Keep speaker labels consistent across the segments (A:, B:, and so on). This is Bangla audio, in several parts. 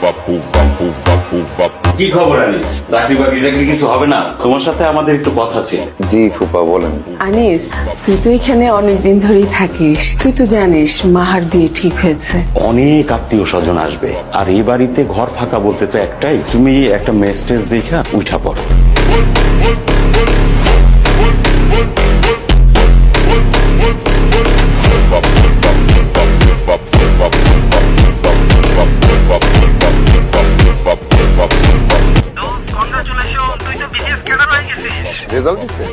A: কি খবর আনিস? চাকরি বাকরি রাখলে কিছু হবে না? তোমার সাথে আমাদের একটু কথা ছিল।
B: জি ফুপা বলেন।
C: আনিস, তুই তো এখানে অনেকদিন ধরেই থাকিস, তুই তো জানিস মাহার বিয়ে ঠিক হয়েছে।
A: অনেক আত্মীয় স্বজন আসবে, আর এই বাড়িতে ঘর ফাঁকা বলতে তো একটাই, তুমি একটা মেসেজ দেখা উঠা পড়ো।
B: রেজাল্ট দিচ্ছে?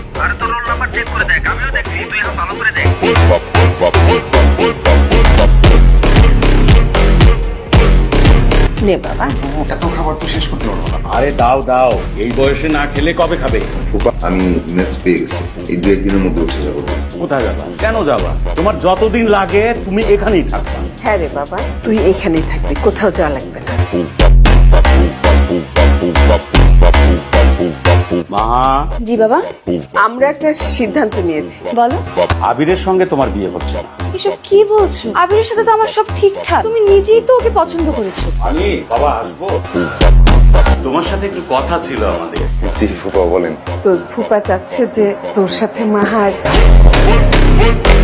C: নে বাবা,
B: এত খাবার তো শেষ করতে পারবো না।
A: আরে দাও দাও, এই বয়সে না খেলে কবে খাবে?
B: ফুপা আমি মেস পেয়ে গেছি, এই দু একদিনের মধ্যে উঠে যাবো।
A: কোথায় যাবা? কেন যাবা? তোমার যতদিন লাগে তুমি এখানেই থাকবা।
C: হ্যাঁ রে বাবা, তুই এখানেই থাকবি, কোথাও যাওয়া লাগবে না।
A: মা,
D: জি বাবা,
C: আমরা একটা সিদ্ধান্ত নিয়েছি।
D: বলো।
A: আবিরের সঙ্গে তোমার বিয়ে হচ্ছে না।
D: এসব কি বলছো? আবিরের সাথে তো আমার সব ঠিকঠাক, তুমি নিজেই তো ওকে পছন্দ করেছো।
A: আমি বাবা আসবো, তোমার সাথে একটু কথা ছিল আমাদের।
B: জি ফুপা বলেন।
C: তোর ফুপা চাচ্ছে যে তোর সাথে মাহার